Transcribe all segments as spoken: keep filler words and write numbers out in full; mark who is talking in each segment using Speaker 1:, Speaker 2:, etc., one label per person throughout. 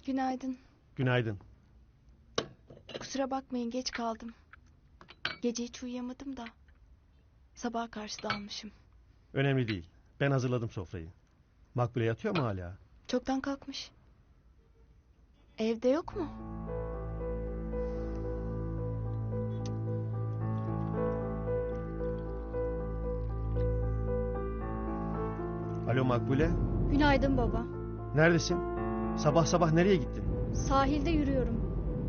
Speaker 1: Günaydın.
Speaker 2: Günaydın.
Speaker 1: Kusura bakmayın, geç kaldım. Gece hiç uyuyamadım da. Sabaha karşı dalmışım.
Speaker 2: Önemli değil. Ben hazırladım sofrayı. Makbule yatıyor mu hala?
Speaker 1: Çoktan kalkmış. Evde yok mu?
Speaker 2: Alo Makbule.
Speaker 3: Günaydın baba.
Speaker 2: Neredesin? Sabah sabah nereye gittin?
Speaker 3: Sahilde yürüyorum.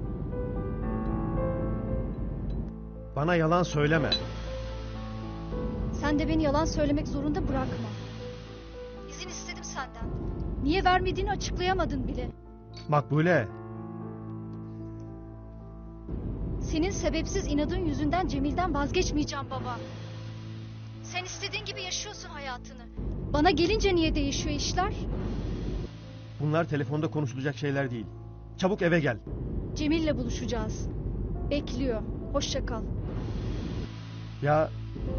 Speaker 2: Bana yalan söyleme.
Speaker 3: Sen de beni yalan söylemek zorunda bırakma. İzin istedim senden. Niye vermediğini açıklayamadın bile.
Speaker 2: Makbule.
Speaker 3: Senin sebepsiz inadın yüzünden Cemil'den vazgeçmeyeceğim baba. Sen istediğin gibi yaşıyorsun hayatını. Bana gelince niye değişiyor işler?
Speaker 2: Bunlar telefonda konuşulacak şeyler değil. Çabuk eve gel.
Speaker 3: Cemil'le buluşacağız. Bekliyor. Hoşça kal.
Speaker 2: Ya...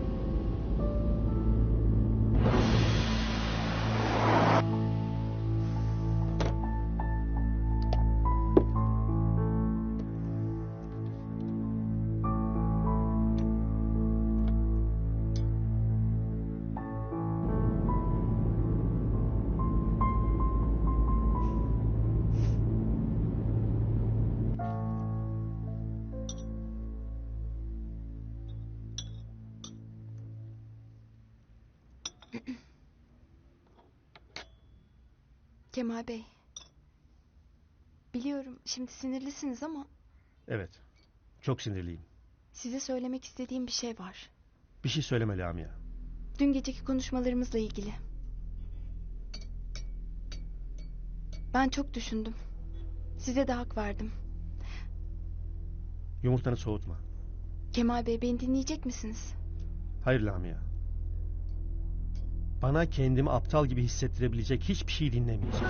Speaker 1: Kemal Bey. Biliyorum şimdi sinirlisiniz ama
Speaker 2: Evet. Çok sinirliyim.
Speaker 1: size söylemek istediğim bir şey var.
Speaker 2: Bir şey söyleme Lamia.
Speaker 1: Dün geceki konuşmalarımızla ilgili. Ben çok düşündüm. Size de hak verdim.
Speaker 2: Yumurtanı soğutma.
Speaker 1: Kemal Bey, beni dinleyecek misiniz?
Speaker 2: Hayır Lamia. Bana kendimi aptal gibi hissettirebilecek hiçbir şey dinlemeyeceğim.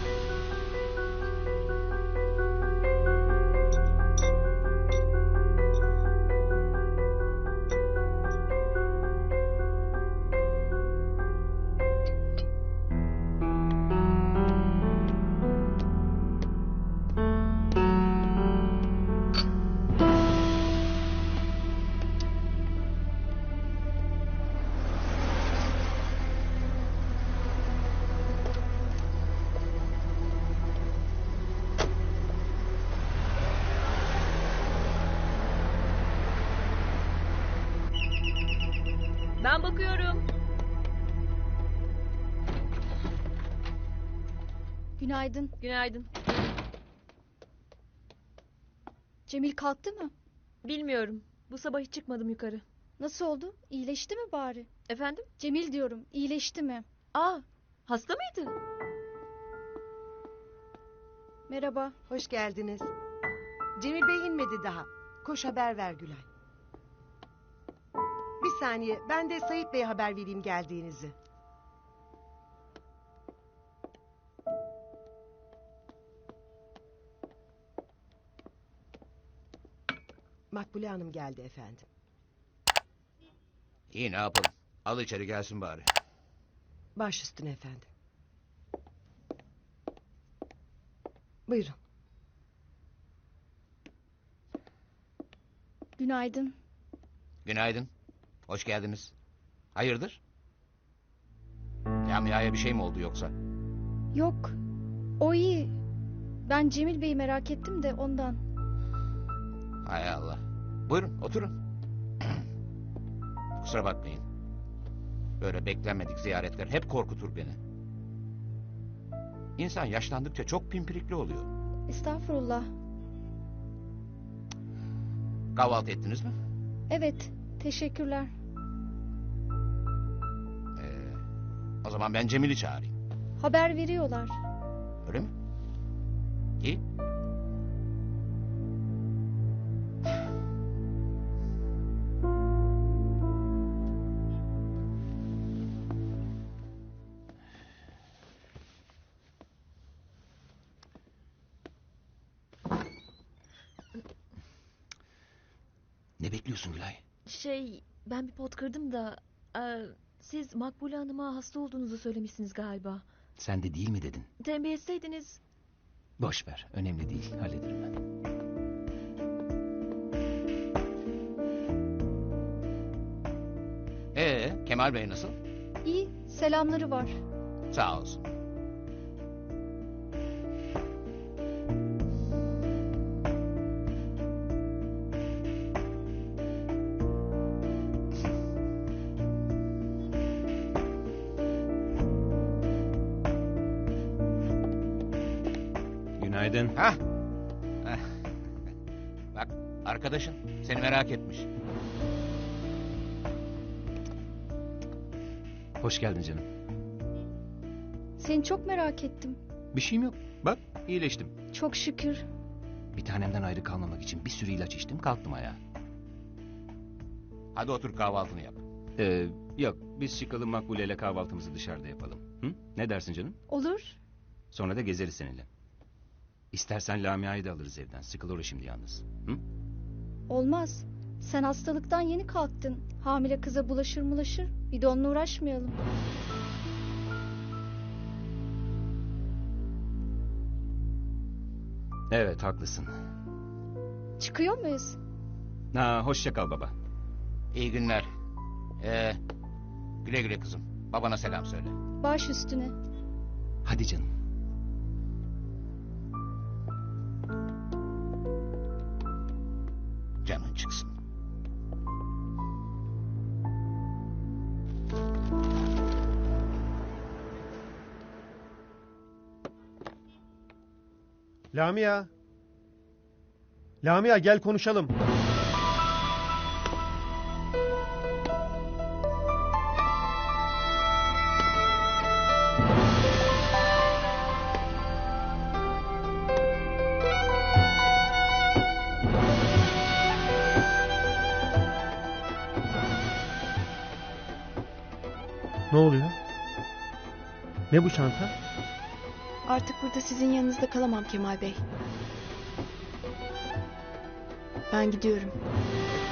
Speaker 4: Ben bakıyorum.
Speaker 3: Günaydın.
Speaker 4: Günaydın.
Speaker 3: Cemil kalktı mı?
Speaker 4: Bilmiyorum. Bu sabah hiç çıkmadım yukarı.
Speaker 3: Nasıl oldu? İyileşti mi bari?
Speaker 4: Efendim?
Speaker 3: Cemil diyorum. İyileşti mi?
Speaker 4: Aa, hasta mıydı?
Speaker 3: Merhaba.
Speaker 5: Hoş geldiniz. Cemil Bey inmedi daha. Koş haber ver Gülay. Bir saniye, ben de Sayit Bey'e haber vereyim geldiğinizi. Makbule Hanım geldi efendim.
Speaker 6: İyi, ne yapalım? Al içeri gelsin bari.
Speaker 5: Baş üstüne efendim. Buyurun.
Speaker 3: Günaydın.
Speaker 6: Günaydın. Hoş geldiniz. Hayırdır? Lamia'ya bir şey mi oldu yoksa?
Speaker 3: Yok. O iyi. Ben Cemil Bey'i merak ettim de ondan.
Speaker 6: Hay Allah. Buyurun oturun. Kusura bakmayın. Böyle beklenmedik ziyaretler hep korkutur beni. İnsan yaşlandıkça çok pimpirikli oluyor.
Speaker 3: Estağfurullah.
Speaker 6: Kahvaltı ettiniz mi?
Speaker 3: Evet. Teşekkürler.
Speaker 6: Ee, o zaman ben Cemil'i çağırayım.
Speaker 3: Haber veriyorlar.
Speaker 6: Öyle mi? İyi. Ne bekliyorsun Gülay?
Speaker 4: Şey, ben bir pot kırdım da... E, siz Makbule Hanım'a hasta olduğunuzu söylemişsiniz galiba.
Speaker 6: Sen de değil mi dedin?
Speaker 4: Tembih etseydiniz...
Speaker 7: Boş ver. Önemli değil. Hallederim ben.
Speaker 6: Ee, Kemal Bey nasıl?
Speaker 3: İyi, selamları var.
Speaker 6: Sağ olsun.
Speaker 7: Günaydın.
Speaker 6: Hah. Heh. Bak arkadaşın seni merak etmiş.
Speaker 7: Hoş geldin canım.
Speaker 3: Seni çok merak ettim.
Speaker 7: Bir şeyim yok. Bak iyileştim.
Speaker 3: Çok şükür.
Speaker 7: Bir tanemden ayrı kalmamak için bir sürü ilaç içtim. Kalktım ayağa.
Speaker 6: Hadi otur kahvaltını yap.
Speaker 7: Ee, yok biz çıkalım Makbule ile kahvaltımızı dışarıda yapalım. Hı? Ne dersin canım?
Speaker 3: Olur.
Speaker 7: Sonra da gezeriz seninle. İstersen Lamia'yı da alırız evden. Sıkılır o şimdi yalnız. Hı?
Speaker 3: Olmaz. Sen hastalıktan yeni kalktın. Hamile kıza bulaşır bulaşır. Bir de onunla uğraşmayalım.
Speaker 7: Evet haklısın.
Speaker 3: Çıkıyor muyuz?
Speaker 7: Ha, hoşça kal baba.
Speaker 6: İyi günler. Ee, güle güle kızım. Babana selam söyle.
Speaker 3: Baş üstüne.
Speaker 7: Hadi canım.
Speaker 6: Canın çıksın.
Speaker 2: Lamia. Lamia gel konuşalım. Ne oluyor? Ne bu çanta?
Speaker 1: Artık burada sizin yanınızda kalamam Kemal Bey. Ben gidiyorum.